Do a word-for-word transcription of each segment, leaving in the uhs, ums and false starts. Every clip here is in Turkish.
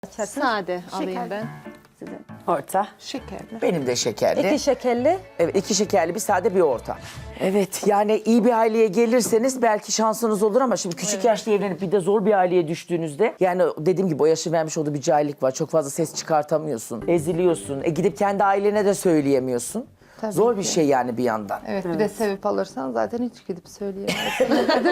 Sade alayım ben. Orta. Şekerli. Benim de şekerli. İki şekerli. Evet, iki şekerli bir sade bir orta. Evet, yani iyi bir aileye gelirseniz belki şansınız olur ama şimdi küçük yaşta evlenip bir de zor bir aileye düştüğünüzde yani dediğim gibi o yaşın vermiş olduğu bir cahillik var. Çok fazla ses çıkartamıyorsun, eziliyorsun. E gidip kendi ailene de söyleyemiyorsun. Tabii Zor bir ki. şey yani bir yandan. Evet, bir de sevip alırsan zaten hiç gidip söyleyemezsin.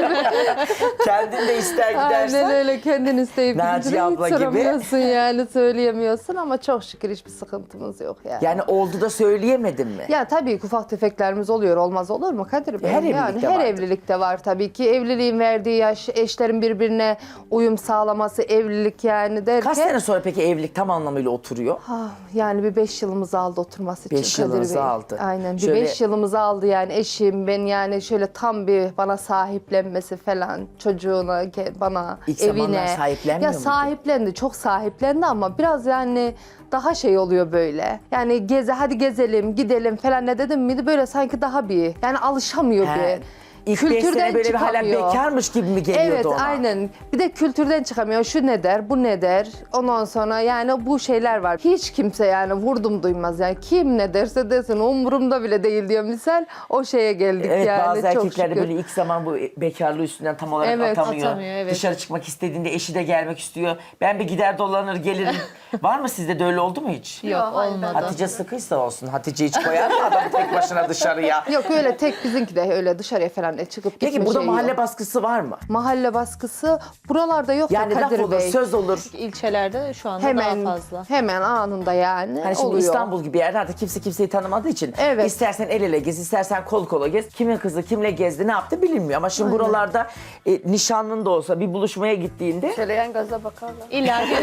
Kendin de ister gidersen. Aynen öyle, kendin isteyip Naciye gidince abla hiç gibi. soramıyorsun yani, söyleyemiyorsun ama çok şükür hiçbir sıkıntımız yok yani. Yani oldu da söyleyemedin mi? Ya tabii ki ufak tefeklerimiz oluyor, olmaz olur mu Kadir Bey? Her yani evlilikte her vardır. evlilikte var tabii ki. Evliliğin verdiği yaş, eşlerin birbirine uyum sağlaması, evlilik yani derken. Kaç sene sonra peki evlilik tam anlamıyla oturuyor? Ah, yani bir beş yılımızı aldı oturması için Beş Kadir yılınızı Bey. aldı. Aynen, bir Şöyle- beş yılımızı aldı yani eşim, ben yani şöyle tam bir bana sahiplenmesi falan, çocuğuna, ke- bana, İlk evine. zamanlar sahiplenmiyor Ya muydu? sahiplendi, çok sahiplendi ama biraz yani daha şey oluyor böyle. Yani geze, hadi gezelim, gidelim falan ne dedim miydi böyle sanki daha bir, yani alışamıyor He. bir. İlk beş sene böyle bir hala bekarmış gibi mi geliyordu Evet, ona? aynen. Bir de kültürden çıkamıyor. Şu ne der, bu ne der. Ondan sonra yani bu şeyler var. Hiç kimse yani vurdum duymaz. Yani kim ne derse desin umurumda bile değil diyor misal. O şeye geldik Evet, yani. bazı çok erkekler de şükür. böyle ilk zaman bu bekarlığı üstünden tam olarak Evet, atamıyor. atamıyor, evet. Dışarı çıkmak istediğinde eşi de gelmek istiyor. Ben bir gider dolanır gelirim. Var mı sizde de öyle oldu mu hiç? Yok olmadı. Hatice sıkıysa olsun. Hatice hiç koyar mı adamı tek başına dışarıya? Yok öyle tek bizimki de öyle dışarıya falan çıkıp Peki gitme burada şeyi mahalle yok. baskısı var mı? Mahalle baskısı buralarda yok Yani da laf Kadir olur, Bey. söz olur. İlçelerde şu anda Hemen daha fazla. hemen anında yani Hani şimdi oluyor. İstanbul gibi yerde artık kimse kimseyi tanımadığı için Evet. istersen el ele gez, istersen kol kola gez. Kimin kızı kimle gezdi, ne yaptı bilinmiyor. Ama şimdi buralarda e, nişanlın da olsa bir buluşmaya gittiğinde Söyleyen gaza bakarlar. İlla ki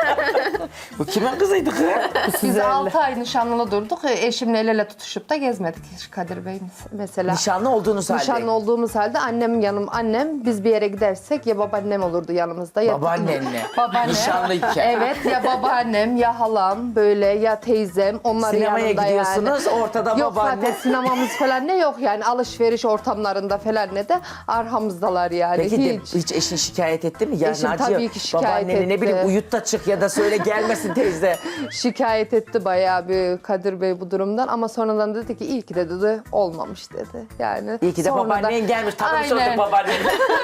bu kimin kızıydı kız? Biz altı ay nişanlı durduk. Eşimle el ele tutuşup da gezmedik hiç Kadir Bey mesela. Nişanlı olduğunuz halde. Nişanlı olduğumuz halde annem yanım annem biz bir yere gidersek ya babaannem olurdu yanımızda ya Babaannenle. babaannem. Nişanlıyken. Evet, ya babaannem ya halam böyle ya teyzem onlar Sinemaya yanında gidiyorsunuz, yani. ortada yok babaanne. zaten sinemamız falan ne yok yani alışveriş ortamlarında falan ne de arkamızdalar yani Peki de hiç. hiç eşin şikayet etti mi? Ya Eşim Naciye, tabii ki şikayet babaanneni ne etti. bileyim uyut da çık ya da söyle gelmesin teyze. Şikayet etti bayağı bir Kadir Bey bu durumdan ama sonradan dedi ki iyi ki de dedi olmamış dedi. Yani İyi ki de sonradan- babaannen gelmiş. Tanımış Aynen. olduk babaanneni.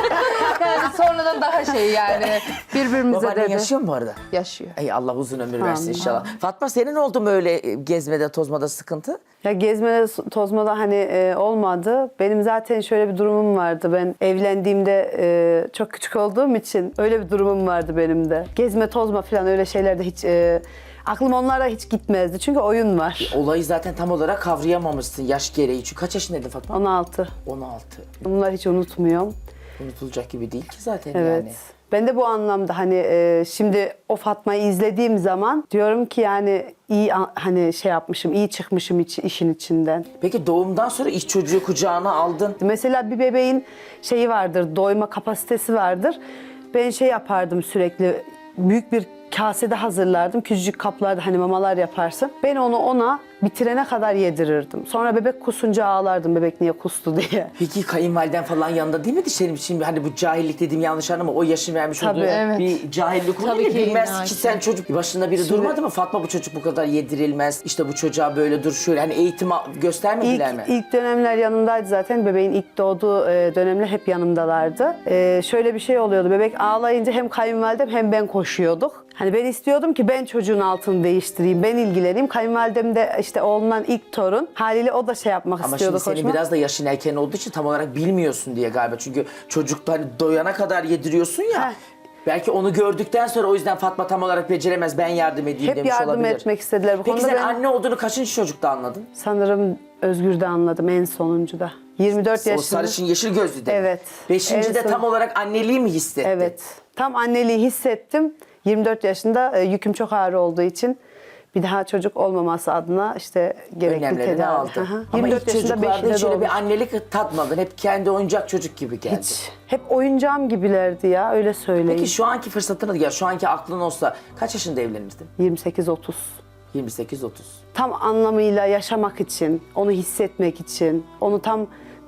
Yani sonradan daha şey yani birbirimize Babaannen dedi. yaşıyor mu bu arada? Yaşıyor. Ey Allah uzun ömür versin inşallah. Fatma senin oldu mu öyle e, gezmede tozmada sıkıntı? Ya gezmede, tozmada hani e, olmadı. Benim zaten şöyle bir durumum vardı. Ben evlendiğimde e, çok küçük olduğum için öyle bir durumum vardı benim de. Gezme, tozma falan öyle şeylerde hiç... E, aklım onlara hiç gitmezdi. Çünkü oyun var. Olayı zaten tam olarak kavrayamamışsın yaş gereği. Çünkü kaç yaşındaydın Fatma? on altı. on altı. Bunları hiç unutmuyorum. Unutulacak gibi değil ki zaten Evet. yani. Ben de bu anlamda hani e, şimdi o Fatma'yı izlediğim zaman diyorum ki yani iyi a- hani şey yapmışım, iyi çıkmışım iç, işin içinden. Peki doğumdan sonra iş çocuğu kucağına aldın. Mesela bir bebeğin şeyi vardır, doyma kapasitesi vardır. Ben şey yapardım sürekli, büyük bir kasede hazırlardım. Küçücük kaplarda hani mamalar yaparsın. Ben onu ona bitirene kadar yedirirdim. Sonra bebek kusunca ağlardım, bebek niye kustu diye. Peki kayınvaliden falan yanında değil mi Senin şimdi hani bu cahillik dediğim yanlış anlama o yaşın vermiş Tabii, olduğu evet. bir cahillik olur Tabii ya ki bilmez illa ki ki. sen çocuk başında biri durmadı mı Fatma bu çocuk bu kadar yedirilmez işte bu çocuğa böyle dur şöyle hani eğitim al- göstermediler İlk, mi? ilk dönemler yanımdaydı zaten. Bebeğin ilk doğduğu e, dönemler hep yanımdalardı. E, şöyle bir şey oluyordu. Bebek ağlayınca hem kayınvalidem hem ben koşuyorduk. Hani ben istiyordum ki ben çocuğun altını değiştireyim, ben ilgileneyim. Kayınvalidem de işte oğlundan ilk torun. Haliyle o da şey yapmak Ama istiyordu. şimdi senin koşmak. biraz da yaşın erken olduğu için tam olarak bilmiyorsun diye galiba. Çünkü çocukta hani doyana kadar yediriyorsun ya. Heh. Belki onu gördükten sonra o yüzden Fatma tam olarak beceremez ben yardım edeyim Hep demiş yardım olabilir. etmek istediler bu Peki konuda. sen Ben anne olduğunu kaçıncı çocukta anladın? sanırım Özgür'de anladım en sonuncuda. yirmi dört O yaşında. sarışın yeşil gözlü de. Evet. Beşinci En de son- tam olarak anneliği mi hissettin? Evet. Tam anneliği hissettim. yirmi dört yaşında e, yüküm çok ağır olduğu için bir daha çocuk olmaması adına işte gerekli Önlemlerini tedavi. aldın. Hı hı. Ama yirmi dört ilk yaşında çocuklarda beşinde hiç öyle doğmuş. bir annelik tatmadın. Hep kendi oyuncak çocuk gibi geldi. Hiç. Hep oyuncağım gibilerdi ya öyle söyleyeyim. Peki şu anki fırsatını ya şu anki aklın olsa kaç yaşında evlenirdin? yirmi sekiz otuz. yirmi sekiz otuz. Tam anlamıyla yaşamak için, onu hissetmek için, onu tam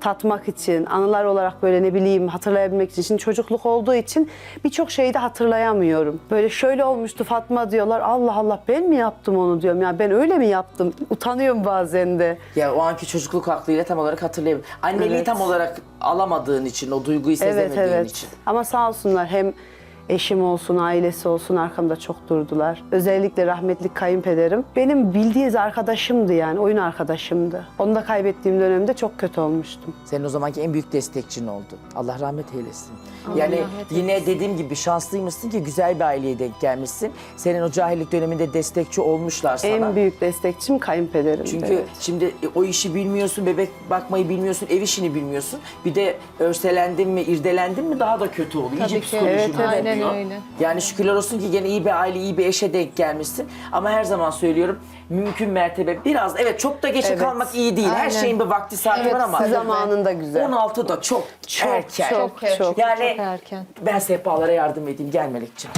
tatmak için, anılar olarak böyle ne bileyim hatırlayabilmek için. Şimdi çocukluk olduğu için birçok şeyi de hatırlayamıyorum. Böyle şöyle olmuştu Fatma diyorlar. Allah Allah ben mi yaptım onu diyorum. Ya ben öyle mi yaptım? Utanıyorum bazen de. Ya o anki çocukluk aklıyla tam olarak hatırlayamıyorum. Anneliği Evet. tam olarak alamadığın için, o duyguyu Evet sezemediğin evet. için. Ama sağ olsunlar hem eşim olsun, ailesi olsun arkamda çok durdular. Özellikle rahmetli kayınpederim. Benim bildiğiniz arkadaşımdı yani, oyun arkadaşımdı. Onu da kaybettiğim dönemde çok kötü olmuştum. Senin o zamanki en büyük destekçin oldu. Allah rahmet eylesin. Yani yine dediğim gibi şanslıymışsın ki güzel bir aileye denk gelmişsin. Senin o cahillik döneminde destekçi olmuşlar sana. En büyük destekçim kayınpederim. Çünkü şimdi e, o işi bilmiyorsun, bebek bakmayı bilmiyorsun, ev işini bilmiyorsun. Bir de örselendin mi, irdelendin mi daha da kötü oluyor. İyice Tabii ki. psikolojin Evet, evet. Aynen bozuluyor. öyle. Yani şükürler olsun ki gene iyi bir aile, iyi bir eşe denk gelmişsin. Ama her zaman söylüyorum, mümkün mertebe biraz, evet çok da geçe Evet. kalmak iyi değil. Her Aynen. şeyin bir vakti saati Evet, var ama zamanında güzel. on altı da çok, Çok, erken. çok, Çok, çok. Yani Çok erken. ben sehpalara yardım edeyim. Gel Melekciğim.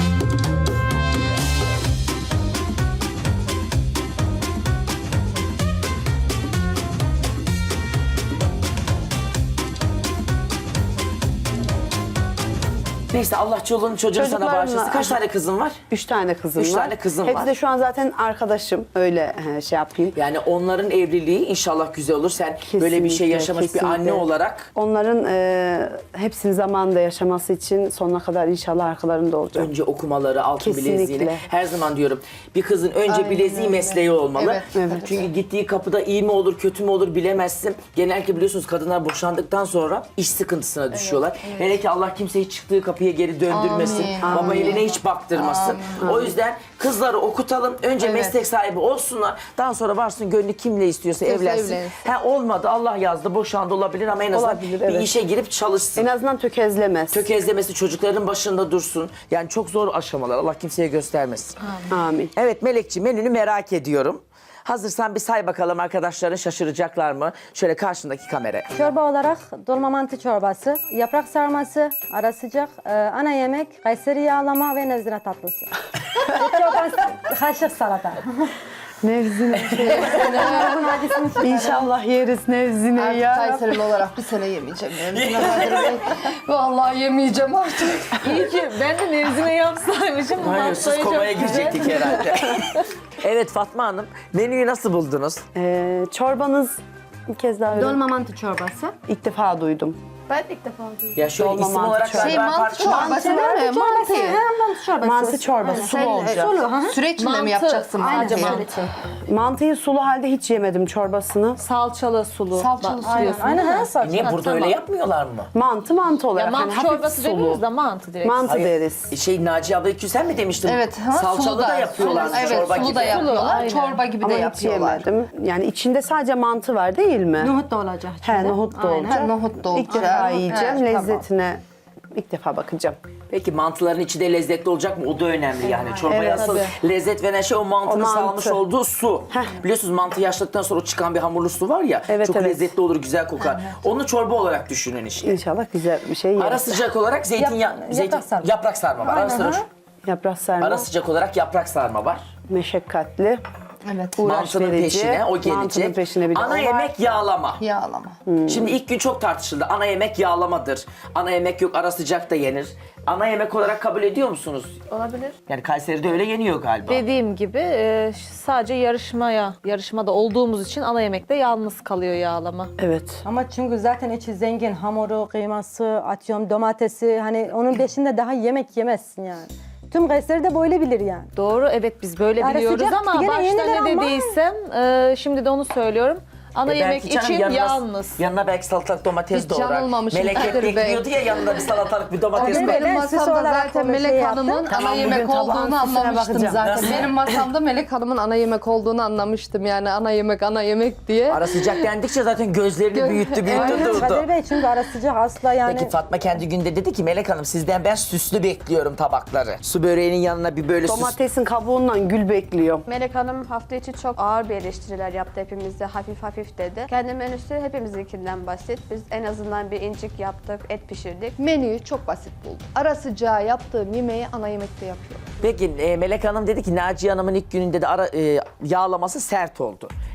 Neyse Allah çoluğunu çocuğunu sana Çocuklarımla- bağışlasın. Kaç tane kızın var? Üç tane kızım Üç var. tane kızım Hepsi var. de şu an zaten arkadaşım. Öyle he, şey yapayım. Yani onların evliliği inşallah güzel olur. Sen böyle bir şey Kesinlikle, yaşamış bir kesinlikle. anne olarak Onların e, hepsini zamanında yaşaması için sonuna kadar inşallah arkalarında olacağım. önce okumaları, altın Kesinlikle. bileziğini. Her zaman diyorum bir kızın önce Aynen bileziği öyle. mesleği olmalı. Evet, evet. Çünkü gittiği kapıda iyi mi olur, kötü mü olur bilemezsin. Genellikle biliyorsunuz kadınlar boşandıktan sonra iş sıkıntısına düşüyorlar. Hele ki Allah kimseyi çıktığı kapıya geri döndürmesin. Amin, Baba amin. eline hiç baktırmasın. O yüzden kızları okutalım. Önce Evet. meslek sahibi olsunlar. Daha sonra varsın gönlü kimle istiyorsa İstiyorsa evlensin. evlensin. Ha, olmadı Allah yazdı boşandı olabilir ama en azından Olabilir, bir evet. işe girip çalışsın. En azından tökezlemez. Tökezlemesi çocukların başında dursun. Yani çok zor aşamalar. Allah kimseye göstermesin. Amin. Evet Melekciğim menünü merak ediyorum. Hazırsan bir say bakalım arkadaşların şaşıracaklar mı? Şöyle karşındaki kameraya. Çorba olarak dolma mantı çorbası, yaprak sarması, ara sıcak, e, ana yemek, Kayseri yağlama ve nezire tatlısı. Et çorbası, kaşık salata. Nevzine. Bunun acısını çıkarın. İnşallah yeriz Nevzine Artık ya. Kayserili olarak bir sene yemeyeceğim. Yani. Vallahi yemeyeceğim artık. İyi ki ben de nevzine yapsaymışım. Bu Hayır siz haftayı çok komaya güzel. girecektik herhalde. Evet Fatma Hanım menüyü nasıl buldunuz? Ee, çorbanız bir kez daha öyle. Dolma mantı çorbası. İlk defa duydum. Ben de ilk defa duydum. Ya şöyle Dolma isim mantı olarak çorbası. Şey ben mantı farklı- çorbası değil mi? Mantı. Ha, mantı çorbası. Mantı çorbası, Aynen. sulu Sen- olacak. Sulu, hı hı. Süreç içinde mi Mantı. yapacaksın Aynen, sadece evet. mantı? Mantıyı sulu halde hiç yemedim çorbasını. Salçalı sulu. Salçalı Bak, sulu. Aynen, suluyorsun aynen değil mi? her saat. Niye Ha, burada tamam. öyle yapmıyorlar mı? Mantı mantı Ya olarak. mantı hani hafif çorbası sulu. demiyoruz da mantı direkt. Mantı Hayır, deriz. Şey Naciye abla iki sen mi demiştin? Evet. Ha, Salçalı sulu da yapıyorlar Evet, çorba sulu gibi. da yapıyorlar. aynen. Çorba gibi Ama de hiç yapıyorlar. yemedim. Yani içinde sadece mantı var değil mi? Nohut da olacak. He, içinde. nohut da Aynen. olacak. Ha, nohut da İlk olacak. defa yiyeceğim. Evet, tamam. Lezzetine ilk defa bakacağım. Peki mantıların içi de lezzetli olacak mı? O da önemli yani. Çorbaya Evet, asıl lezzet veren şey o mantının O mantı. salmış olduğu su. Biliyorsunuz mantı yaşladıktan sonra o çıkan bir hamurlu su var ya. Evet, çok evet. lezzetli olur, güzel kokar. Onu çorba olarak düşünün işte. İnşallah güzel bir şey Ara yeriz. sıcak olarak zeytinyağı, Yap- zeytin, yaprak sarma. yaprak sarma var. Ara, Aynen, sıcak, ha. Yaprak sarma. ara sıcak olarak yaprak sarma var. Meşakkatli. Evet. Uğraş Mantının verici. peşine o gelecek. Mantının peşine bir de Ana o var. yemek yağlama. Yağlama. Şimdi ilk gün çok tartışıldı. Ana yemek yağlamadır. Ana yemek yok, ara sıcak da yenir. Ana yemek olarak kabul ediyor musunuz? Olabilir. Yani Kayseri'de öyle yeniyor galiba. Dediğim gibi e, sadece yarışmaya, yarışmada olduğumuz için ana yemekte yalnız kalıyor yağlama. Evet. Ama çünkü zaten içi zengin. Hamuru, kıyması, atıyorum domatesi. Hani onun peşinde daha yemek yemezsin yani. Tüm Kayseri de böyle bilir yani. Doğru, evet biz böyle Yani biliyoruz sıcak ama gene başta yenilir ne ama- dediysem e, şimdi de onu söylüyorum. Ana E yemek belki canım için yanına, yalnız. Yanına belki salatalık domates Hiç doğrar. yanılmamışım Melek hep Kadir Bey. bekliyordu ya yanında bir salatalık bir domates Abi doğrar. ben Benim süs masamda olarak zaten onu Melek şey Hanım'ın yaptım. ana Tamam, yemek bugün tabağın olduğunu süsüne anlamıştım bakacağım. zaten. Nasıl? Benim masamda Melek Hanım'ın ana yemek olduğunu anlamıştım. Yani ana yemek, ana yemek diye. Ara sıcak dendikçe zaten gözlerini Gö- büyüttü büyüttü Aynen durdu. Kadir Bey çünkü ara sıcak asla yani. Peki Fatma kendi günde dedi ki Melek Hanım sizden ben süslü bekliyorum tabakları. Su böreğinin yanına bir böyle süs. Domatesin kabuğundan gül bekliyor. Melek Hanım hafta içi çok ağır bir eleştiriler yaptı hepimizde, hafif hafif dedi. Kendi menüsü hepimizinkinden basit. Biz en azından bir incik yaptık, et pişirdik. Menüyü çok basit buldum. Ara sıcağı yaptığım yemeği ana yemekte yapıyorum. Peki e, Melek Hanım dedi ki Naciye Hanım'ın ilk gününde de ara, e, yağlaması sert oldu.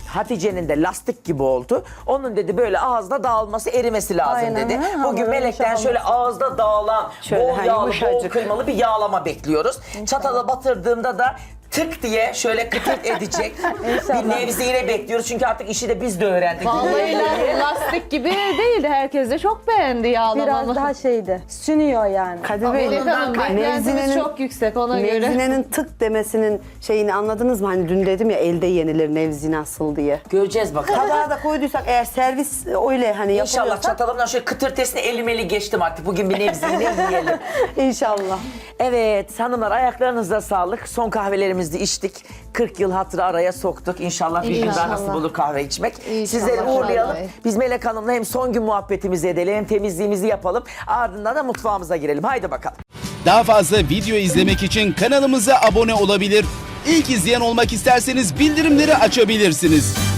Hatice'nin de lastik gibi oldu. Onun dedi böyle ağızda dağılması, erimesi lazım Aynen, dedi. ha, Bugün hamurun Melek'ten yumuşak şöyle ağızda dağılan, Şöyle, bol ha, yağlı, bol yumuşacık. kıymalı bir yağlama bekliyoruz. Çatala batırdığımda da tık diye şöyle kıtırt edecek bir nevzine bekliyoruz. Çünkü artık işi de biz de öğrendik. Vallahi la- lastik gibi değildi. Herkes de çok beğendi yağlamamı. Biraz daha şeydi. Sünüyor yani. Kadir Bey, Melek Hanım beklentimiz Nevzine'nin- çok yüksek ona göre. Nevzine'nin tık demesinin şeyini anladınız mı? Hani dün dedim ya elde yenilir nevzine asıl diye. Göreceğiz bakalım. Tabağa da koyduysak eğer servis öyle hani İnşallah yapılıyorsa çatalımdan şöyle kıtırtesine elim eli geçtim artık. Bugün bir nevzine yiyelim. inşallah. Evet hanımlar ayaklarınıza sağlık. Son kahvelerimizi içtik. kırk yıl hatırı araya soktuk. İnşallah bir gün daha İnşallah. nasip olur kahve içmek. İnşallah. Sizleri uğurlayalım. Vallahi. Biz Melek Hanım'la hem son gün muhabbetimizi edelim hem temizliğimizi yapalım. Ardından da mutfağımıza girelim. Haydi bakalım. Daha fazla video izlemek için kanalımıza abone olabilir. İlk izleyen olmak isterseniz bildirimleri açabilirsiniz.